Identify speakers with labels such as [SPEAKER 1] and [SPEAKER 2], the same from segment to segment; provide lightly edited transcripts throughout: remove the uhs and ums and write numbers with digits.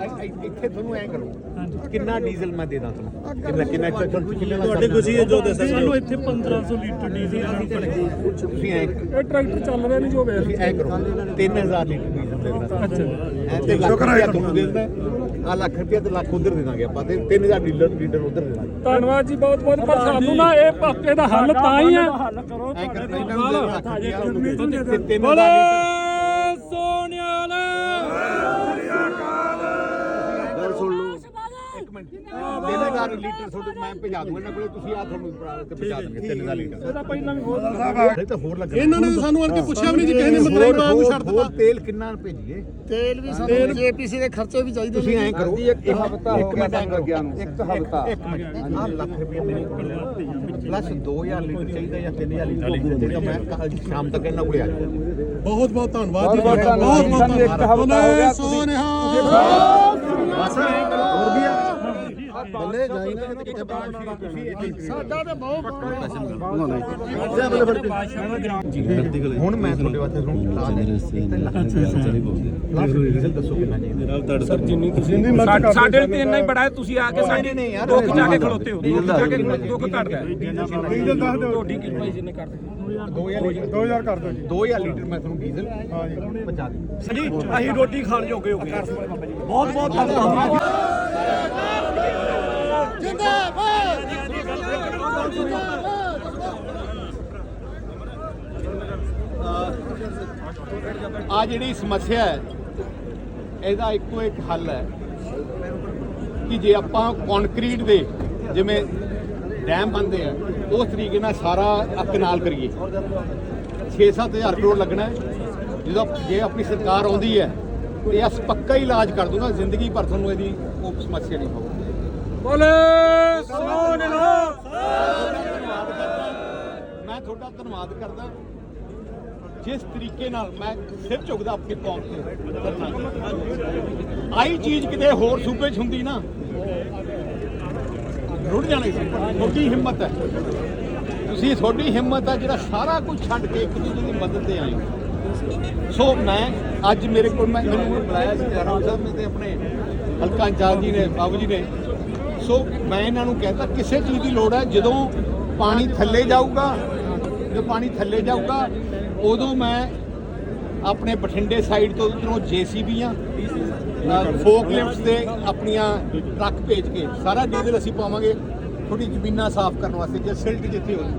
[SPEAKER 1] ਇੱਥੇ ਤੁਹਾਨੂੰ ਐ ਕਰੋ ਕਿੰਨਾ ਡੀਜ਼ਲ ਮੈਂ ਦੇ ਦਾਂ ਤੁਹਾਨੂੰ ਕਿੰਨਾ
[SPEAKER 2] ਤੁਹਾਡੇ ਗੁੱਸੀ ਜੋ ਦੱਸਿਆ ਸਾਨੂੰ ਇੱਥੇ 1500 ਲੀਟਰ ਡੀਜ਼ਲ
[SPEAKER 1] ਤੁਸੀਂ ਐ
[SPEAKER 3] ਇਹ ਟਰੈਕਟਰ ਚੱਲ ਰਿਹਾ ਨਹੀਂ ਜੋ ਵੇਖ
[SPEAKER 1] ਤੁਸੀਂ ਐ ਕਰੋ 3000 ਲੀਟਰ ਡੀਜ਼ਲ ਦੇ ਦਾਂ
[SPEAKER 3] ਅੱਛਾ
[SPEAKER 1] ਤੇ ਲੱਖ ਰੁਪਇਆ ਤੁਹਾਨੂੰ ਦੇ ਦਿੰਦਾ ਆ ਲੱਖ ਰੁਪਇਆ ਤੇ ਲੱਖ ਉਧਰ ਦੇ ਦਾਂਗੇ ਆਪਾਂ ਤੇ 3000 ਲੀਟਰ ਉਧਰ ਦੇ ਦਾਂਗੇ।
[SPEAKER 3] ਧੰਨਵਾਦ ਜੀ ਬਹੁਤ ਬਹੁਤ ਪਰ ਸਾਨੂੰ ਨਾ ਇਹ ਪੱਕੇ ਦਾ ਹੱਲ ਤਾਂ ਹੀ ਹੈ
[SPEAKER 1] ਐ ਕਰ ਇਹਨਾਂ ਨੂੰ ਦੇ ਲੱਖ ਰੁਪਇਆ ਤੇ 3000
[SPEAKER 3] ਬੋਲੇ
[SPEAKER 1] ਲੀਟਰ
[SPEAKER 3] ਸੋਨਿਆਲ
[SPEAKER 1] ਗੱਲ ਸੁਣ ਲਓ ਇੱਕ ਮਿੰਟ 3000 ਲੀਟਰ ਤੁਹਾਡੇ ਮੈਂ ਭਜਾ ਦੂੰਗਾ ਇਹਨਾਂ ਕੋਲੇ ਤੁਸੀਂ ਆ ਤੁਹਾਨੂੰ ਤੇ ਭਜਾ ਦੇਣਗੇ 3000 ਲੀਟਰ
[SPEAKER 3] ਇਹਦਾ ਪਹਿਲਾਂ ਵੀ ਬਹੁਤ
[SPEAKER 1] ਇਹ ਤਾਂ ਹੋਰ ਲੱਗਣਾ
[SPEAKER 4] ਇਹਨਾਂ ਨੇ ਸਾਨੂੰ ਆਣ ਕੇ ਪੁੱਛਿਆ ਵੀ ਨਹੀਂ ਜੀ ਕਿਸੇ ਨੇ ਮਤਲਬ ਨਾ ਨੂੰ ਛੱਡ ਦਿੱਤਾ
[SPEAKER 1] ਤੇਲ ਕਿੰਨਾ ਭੇਜੀਏ
[SPEAKER 4] ਤੇਲ ਵੀ ਸਾਨੂੰ ਜੇਪੀਸੀ ਦੇ ਖਰਚੇ ਵੀ ਚਾਹੀਦੇ
[SPEAKER 1] ਤੁਸੀਂ ਐਂ ਕਰੋ
[SPEAKER 4] ਇੱਕ ਹਫ਼ਤਾ
[SPEAKER 1] ਇੱਕ ਮਿੰਟ ਐਂ ਕਰੋ ਇੱਕ ਹਫ਼ਤਾ ਇੱਕ ਮਿੰਟ ਆਹ ਲੱਖ ਰੁਪਏ ਮੇਰੇ ਕੋਲ ਪਲੱਸ 2000 ਲੀਟਰ ਚਾਹੀਦਾ ਜਾਂ 3000 ਲੀਟਰ ਮੈਂ ਕੱਲ ਸ਼ਾਮ ਤੱਕ ਇਹਨਾਂ ਕੋਲੇ ਆ ਜਾਊਂਗਾ।
[SPEAKER 4] ਬਹੁਤ ਬਹੁਤ ਧੰਨਵਾਦ ਜੀ ਬਹੁਤ ਬਹੁਤ ਧੰਨਵਾਦ ਸੋਨਿਹਾ
[SPEAKER 1] ਬਸ ਐਂ ਕਰੋ ਹੋਰ ਵੀ ਆ
[SPEAKER 4] ਬੱਲੇ ਜਾਈ ਨਾ ਕਿੱਥੇ ਸਾਡਾ ਤੇ ਬਹੁਤ
[SPEAKER 1] ਹੁਣ ਮੈਂ ਤੁਹਾਡੇ ਵਾਸਤੇ ਤੁਹਾਨੂੰ ਲਾ ਡੀਜ਼ਲ ਦੱਸੋ ਕਿੰਨਾ ਚਾਹੀਦਾ
[SPEAKER 2] ਸਰ ਜਿੰਨੀ ਤੁਸੀਂ
[SPEAKER 3] ਸਾਡੇ ਤੇ ਇੰਨਾ ਹੀ ਬੜਾ ਹੈ ਤੁਸੀਂ ਆ ਕੇ ਸਾਡੇ
[SPEAKER 1] ਨਹੀਂ ਯਾਰ
[SPEAKER 3] ਦੁੱਖ ਜਾ ਕੇ ਖਲੋਤੇ ਹੋ ਦੁੱਖ ਜਾ ਕੇ ਦੁੱਖ ਘਟਦਾ
[SPEAKER 4] ਡੀਜ਼ਲ ਦੱਸ ਦਿਓ
[SPEAKER 3] ਤੁਹਾਡੀ ਕੀ ਭਾਈ ਜਿੰਨੇ ਕਰਦੇ
[SPEAKER 4] 2000 ਕਰ ਦਿਓ ਜੀ
[SPEAKER 1] 2000 ਲੀਟਰ ਮੈਂ ਤੁਹਾਨੂੰ ਡੀਜ਼ਲ ਪਹੁੰਚਾ ਦੇ
[SPEAKER 2] ਜੀ ਅਸੀਂ ਰੋਟੀ ਖਾਣ ਜੋਗੇ ਹੋ ਗਏ ਬਹੁਤ ਬਹੁਤ ਧੰਨਵਾਦ
[SPEAKER 1] ਆ ਜਿਹੜੀ ਸਮੱਸਿਆ ਹੈ ਇਹਦਾ ਇੱਕੋ ਇੱਕ ਹੱਲ ਹੈ ਕਿ ਜੇ ਆਪਾਂ ਕੰਕਰੀਟ ਦੇ ਜਿਵੇਂ ਡੈਮ ਬਣਦੇ ਆ ਉਸ ਤਰੀਕੇ ਨਾਲ ਸਾਰਾ ਕਨਾਲ ਕਰੀਏ 6-7000 ਕਰੋੜ ਲੱਗਣਾ ਹੈ। ਜਦੋਂ ਜੇ ਆਪਣੀ ਸਰਕਾਰ ਆਉਂਦੀ ਹੈ ਤੇ ਇਸ ਪੱਕਾ ਹੀ ਇਲਾਜ ਕਰ ਦੂੰਗਾ ਜ਼ਿੰਦਗੀ ਭਰ ਤੁਹਾਨੂੰ ਇਹਦੀ ਉਹ ਸਮੱਸਿਆ ਨਹੀਂ ਹੋਊਗੀ।
[SPEAKER 3] ਬੋਲੇ ਸੋਨਿਆਲ
[SPEAKER 1] ਮੈਂ ਤੁਹਾਡਾ ਧੰਨਵਾਦ ਕਰਦਾ ਜਿਸ ਤਰੀਕੇ ਨਾਲ ਮੈਂ ਸਿਰ ਝੁਕਦਾ ਆਪਣੀ ਕੌਮ ਤੇ ਆਈ ਚੀਜ਼ ਕਿਤੇ ਹੋਰ ਸੂਬੇ 'ਚ ਹੁੰਦੀ ਨਾ ਰੁੜ ਜਾਣੀ ਸੀ। ਤੁਹਾਡੀ ਹਿੰਮਤ ਹੈ ਤੁਸੀਂ ਤੁਹਾਡੀ ਹਿੰਮਤ ਹੈ ਜਿਹੜਾ ਸਾਰਾ ਕੁਝ ਛੱਡ ਕੇ ਇੱਕ ਦੂਜੇ ਦੀ ਮਦਦ ਤੇ ਆਏ ਹੋ। ਸੋ ਮੈਂ ਅੱਜ ਮੇਰੇ ਕੋਲ ਮੈਨੂੰ ਬੁਲਾਇਆ ਸੀ ਰਾਮ ਸਾਹਿਬ ਨੇ ਤੇ ਆਪਣੇ ਹਲਕਾ ਇੰਚਾਰਜ ਜੀ ਨੇ ਬਾਬੂ ਜੀ ਨੇ। ਸੋ ਮੈਂ ਇਹਨਾਂ ਨੂੰ ਕਹਿੰਦਾ ਕਿਸੇ ਚੀਜ਼ ਦੀ ਲੋੜ ਹੈ ਜਦੋਂ ਪਾਣੀ ਥੱਲੇ ਜਾਊਗਾ ਜਦੋਂ ਪਾਣੀ ਥੱਲੇ ਜਾਊਗਾ ਉਦੋਂ ਮੈਂ ਆਪਣੇ ਬਠਿੰਡੇ ਸਾਈਡ ਤੋਂ ਉੱਧਰੋਂ ਜੇਸੀਬੀਆਂ ਫੋਕ ਲਿਫਟਸ ਦੇ ਆਪਣੀਆਂ ਟਰੱਕ ਭੇਜ ਕੇ ਸਾਰਾ ਡੀਜ਼ਲ ਅਸੀਂ ਪਾਵਾਂਗੇ ਥੋੜੀ ਜ਼ਮੀਨਾਂ ਸਾਫ਼ ਕਰਨ ਵਾਸਤੇ ਜੇ ਸਿਲਟ ਜਿੱਥੇ ਹੋ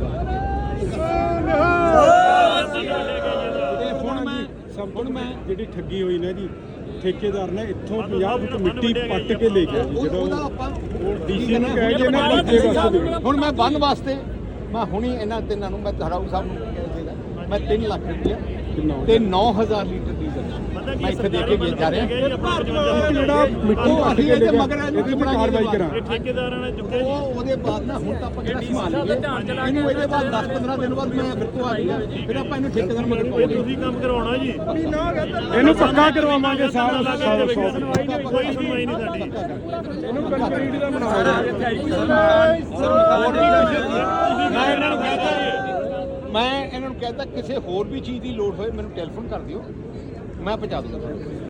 [SPEAKER 1] ਜਾਊਗਾ। ਹੁਣ ਮੈਂ
[SPEAKER 4] ਜਿਹੜੀ ਠੱਗੀ ਹੋਈ ਨਾ ਜੀ ਠੇਕੇਦਾਰ ਨੇ ਇੱਥੋਂ 50 ਫੁੱਟ ਮਿੱਟੀ ਪੱਟ ਕੇ ਲੈ ਗਿਆ ਜੀ
[SPEAKER 1] ਉਹਦਾ ਆਪਾਂ
[SPEAKER 4] ਡੀਸੀ ਨੂੰ ਕਹਿ ਕੇ ਨਾ ਬੱਚੇ ਵਾਸਤੇ
[SPEAKER 1] ਹੁਣ ਮੈਂ ਬੰਨ ਵਾਸਤੇ ਮੈਂ ਹੁਣੀ ਇਹਨਾਂ ਤਿੰਨਾਂ ਨੂੰ ਮੈਂ ਧਾਰਾਊ ਸਾਹਿਬ ਨੂੰ ਕਿਹਾ ਸੀਗਾ ਮੈਂ 3 ਲੱਖ ਰੁਪਇਆ ਤੇ 9000 ਲੀਟਰ ਡੀਜ਼ਲ ਮੈਂ ਇੱਥੇ ਦੇ ਕੇ ਜਾ ਰਿਹਾ
[SPEAKER 4] ਜਿਹੜਾ ਮਿੱਟੀ ਪੱਟ ਕੇ ਲੈ ਗਿਆ ਇਹਦੀ ਵੀ ਕਾਰਵਾਈ ਕਰਾਂ
[SPEAKER 2] ਠੇਕੇਦਾਰਾਂ ਨੇ ਚੁੱਕੇ
[SPEAKER 1] ਉਹਦੇ ਬਾਅਦ ਨਾ ਹੁਣ ਤਾਂ ਆਪਾਂ ਕਿਹੜਾ ਸੰਭਾਲ ਲਈਏ ਇਹਨੂੰ ਇਹਦੇ ਬਾਅਦ 10-15 ਦਿਨ ਬਾਅਦ ਮੈਂ ਫਿਰ ਤੋਂ ਆ ਜਾਊਗਾ ਫਿਰ ਆਪਾਂ ਇਹਨੂੰ ਠੇਕੇਦਾਰ ਮਗਰ ਪਾਉਂਦੇ
[SPEAKER 2] ਤੁਸੀਂ ਕੰਮ ਕਰਵਾਉਣਾ ਜੀ
[SPEAKER 4] ਇਹਨੂੰ ਪੱਕਾ ਕਰਵਾਵਾਂਗੇ ਸਾਰਾ
[SPEAKER 2] ਕੋਈ ਸੁਣਵਾਈ ਨਹੀਂ ਸਾਡੀ
[SPEAKER 4] ਇਹਨੂੰ ਕੰਕਰੀਟ ਦਾ
[SPEAKER 1] ਮੈਂ ਇਹਨਾਂ ਨੂੰ ਕਹਿੰਦਾ ਕਿਸੇ ਹੋਰ ਵੀ ਚੀਜ਼ ਦੀ ਲੋੜ ਹੋਏ ਮੈਨੂੰ ਟੈਲੀਫੋਨ ਕਰ ਦਿਓ ਮੈਂ ਪਹੁੰਚਾ ਦੂੰਗਾ।